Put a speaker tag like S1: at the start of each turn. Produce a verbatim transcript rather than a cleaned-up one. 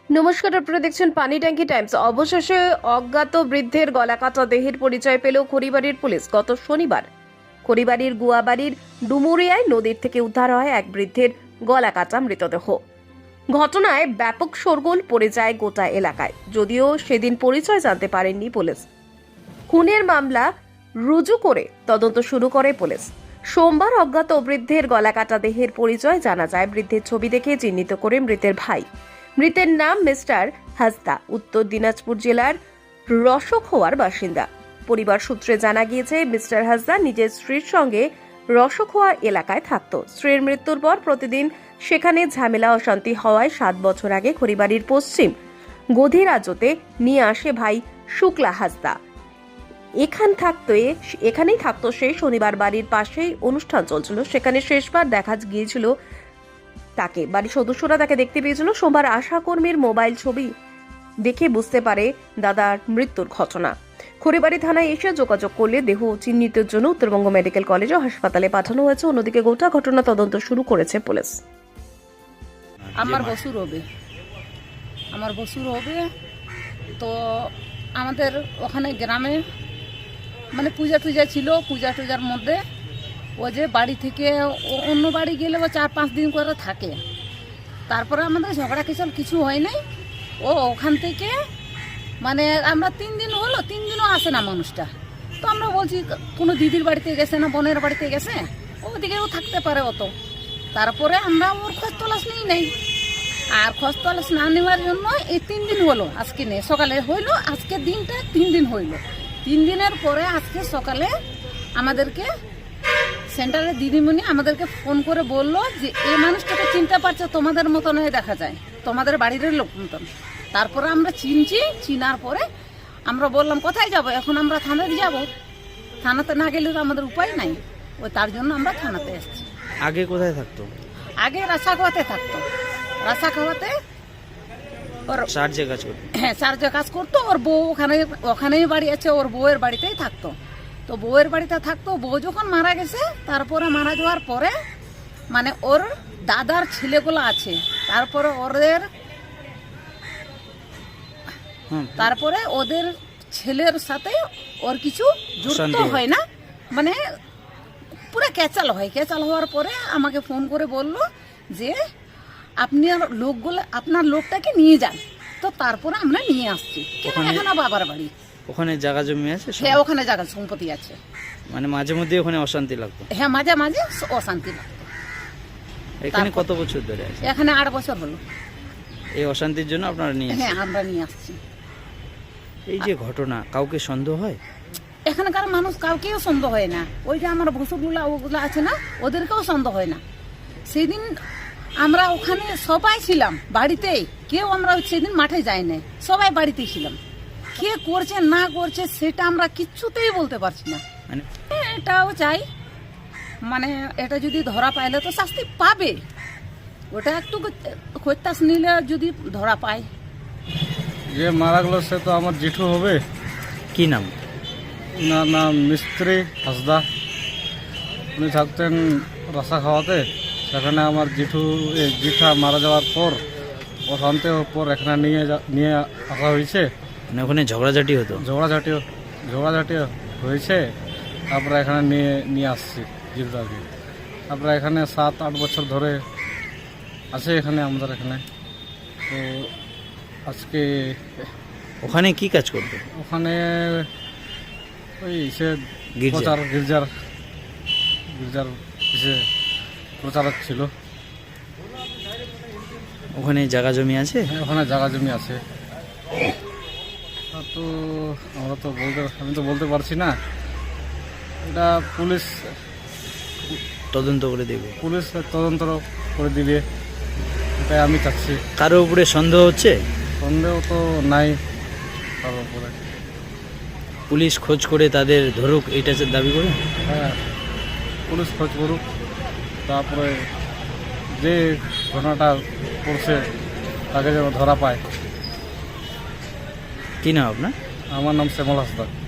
S1: নমস্কার, আপনারা দেখছেন পানি ট্যাঙ্কি টাইমস। অবশেষে অজ্ঞাত বৃদ্ধের গলাকাটা দেহের পরিচয় পেল খড়িবাড়ির পুলিশ। গত শনিবার খড়িবাড়ির গুয়াবাড়ির ডুমুরিয়ায় নদীর থেকে উদ্ধার হয় এক বৃদ্ধের গলাকাটা মৃতদেহ। ঘটনায় ব্যাপক শোরগোল পড়ে যায় গোটা এলাকায়। যদিও সেদিন পরিচয় জানতে পারেননি পুলিশ। খুনের মামলা রুজু করে তদন্ত শুরু করে পুলিশ। সোমবার অজ্ঞাত বৃদ্ধের গলাকাটা দেহের পরিচয় জানা যায়। বৃদ্ধের ছবি দেখে চিহ্নিত করে মৃতের ভাই। মৃতের নাম মিস্টার হাসদা, উত্তর দিনাজপুর জেলার রসখোয়ার বাসিন্দা। পরিবার সূত্রে জানা গিয়েছে, মিস্টার হাসদা নিজের স্ত্রীর সঙ্গে রসখোয়া এলাকায় থাকত। স্ত্রীর মৃত্যুর পর প্রতিদিন সেখানে ঝামেলা অশান্তি হওয়ায় সাত বছর আগে খড়িবাড়ির পশ্চিম গধিরাজতে নিয়ে আসে ভাই শুক্লা হাসদা। এখান থাকতে এখানেই থাকতো সে। শনিবার বাড়ির পাশেই অনুষ্ঠান চলছিল, সেখানে শেষবার দেখা গিয়েছিল তাকে। বাড়ির সদস্যরা তাকে দেখতে পেয়েছিল। সোমবার আশাকর্মীর মোবাইল ছবি দেখে বুঝতে পারে দাদার মৃত্যুর ঘটনা। খড়িবাড়ি থানায় এসে যোগাযোগ করলে দেহ চিহ্নিতের জন্য উত্তরবঙ্গ মেডিকেল কলেজ ও হাসপাতালে পাঠানো হয়েছে। অন্যদিকে গোটা ঘটনা তদন্ত শুরু করেছে পুলিশ।
S2: আমার বছর হবে আমার বছর হবে তো আমাদের ওখানে গ্রামে মানে পূজা টুজা ছিল। পূজা টুজার মধ্যে ও যে বাড়ি থেকে অন্য বাড়ি গেলে ও চার পাঁচ দিন করে থাকে। তারপরে আমাদের ঝগড়া কিচল কিছু হয় নাই। ও ওখান থেকে মানে আমরা তিন দিন হলো, তিন দিনও আসে না মানুষটা। তো আমরা বলছি কোনো দিদির বাড়িতে গেছে না বোনের বাড়িতে গেছে, ওদিকেও থাকতে পারে অত। তারপরে আমরা ওর খোঁজ তলাশ নিই নাই। আর খোঁজ তলাশ না নেওয়ার জন্য এই তিন দিন হলো, আজকে নেই সকালে হইলো, আজকে দিনটা তিন দিন হইলো। তিন দিনের পরে আজকে সকালে আমাদেরকে সেন্টারের দিদিমণি আমাদেরকে ফোন করে বললো যে এই মানুষটাকে চিনতে পারছো, তোমাদের মতন হয়ে দেখা যায়, তোমাদের বাড়ির লোক মতন। তারপরে আমরা চিনছি। চিনার পরে আমরা বললাম কোথায় যাব, এখন আমরা থানাতে যাব। থানাতে না গেলে তো আমাদের উপায় নাই, ওই তার জন্য আমরা থানাতে এসেছি।
S3: আগে কোথায় থাকতো?
S2: আগে রাসা খাওয়াতে থাকতো। রাসা খাওয়াতে ওর
S3: চার্জে কাজ করতো।
S2: হ্যাঁ, চার্জে কাজ করতো। ওর বউ ওখানে ওখানেই বাড়ি আছে, ওর বউয়ের বাড়িতেই থাকতো। তো বউয়ের বাড়িতে থাকতো। বউ যখন মারা গেছে, তারপরে মারা যাওয়ার পরে মানে ওর দাদার ছেলেগুলো আছে, তারপরে ওদের তারপরে ওদের ছেলের সাথে ওর কিছু যুক্ত হয় না, মানে পুরো ক্যাচাল হয়। ক্যাচাল হওয়ার পরে আমাকে ফোন করে বলল যে আপনি লোকগুলো আপনার লোকটাকে নিয়ে যান। তো তারপরে আমরা নিয়ে আসছি। কিন্তু এখনো বাবার বাড়ি
S3: ওখানে জায়গা জমি আছে।
S2: হ্যাঁ, ওখানে জায়গা সম্পত্তি আছে।
S3: মানে মাঝে মধ্যে ওখানে অশান্তি লাগতো।
S2: হ্যাঁ, মাঝে মাঝে অশান্তি লাগতো।
S3: এখানে কত বছর ধরে আছে?
S2: এখানে আট বছর হলো।
S3: এই অশান্তির জন্য আপনারা নিয়ে
S2: হ্যাঁ, আমরা নিয়ে আসছি।
S3: এই যে ঘটনা, কাউকে সন্দেহ হয়?
S2: এখানকার মানুষ কাউকেও সন্দেহ হয় না। ওই যে আমার ভসুরগুলা ওগুলো আছে না, ওদেরকেও সন্দেহ হয় না। সেদিন আমরা ওখানে সবাই ছিলাম বাড়িতেই, কেউ আমরা সেদিন মাঠে যাই না, সবাই বাড়িতেই ছিলাম। কে করছে না করছে সেটা আমরা কিচ্ছুতেই বলতে পারছি না।
S3: মানে
S2: এটাও চাই, মানে এটা যদি ধরা পাইলে তো শাস্তি পাবে। ওটা একটু খোঁজতাস নিলে যদি ধরা পায়।
S4: যে মারা গেল সে তো আমার জেঠু হবে।
S3: কি নাম?
S4: ওনার নাম মিস্ত্রি হাসদা। উনি থাকতেন রাসা খাওয়াতে। সেখানে আমার জেঠু জেঠা মারা যাওয়ার পর অশান্তি পর এখানে নিয়ে নিয়ে আসা হয়েছে।
S3: মানে ওখানে ঝগড়াঝাটি হতো?
S4: ঝগড়াঝাটি ঝগড়াঝাটি হয়েছে। তারপরে এখানে নিয়ে নিয়ে আসছি জেঠুটাকে। তারপরে এখানে সাত আট বছর ধরে আছে এখানে আমাদের এখানে। তো আজকে
S3: ওখানে কি কাজ করতো?
S4: ওখানে ওই সে
S3: গির্জা?
S4: প্রচার গির্জার গির্জার সে প্রচারক ছিল।
S3: ওখানে জায়গা জমি আছে?
S4: হ্যাঁ, ওখানে জায়গা জমি আছে। তো আমরা তো বলতে আমি তো বলতে পারছি না। এটা পুলিশ
S3: তদন্ত করে দেবে।
S4: পুলিশ তদন্ত করে দিবে, এটাই আমি চাচ্ছি।
S3: কারো উপরে সন্দেহ হচ্ছে?
S4: সন্দেহ তো নাই তার উপরে।
S3: পুলিশ খোঁজ করে তাদের ধরুক, এটা দাবি করে।
S4: হ্যাঁ, পুলিশ খোঁজ করুক। তারপরে যে ঘটনাটা করছে তাকে যেন ধরা পায়।
S3: কি নাম আপনার?
S4: আমার নাম শ্যামল হাসদা।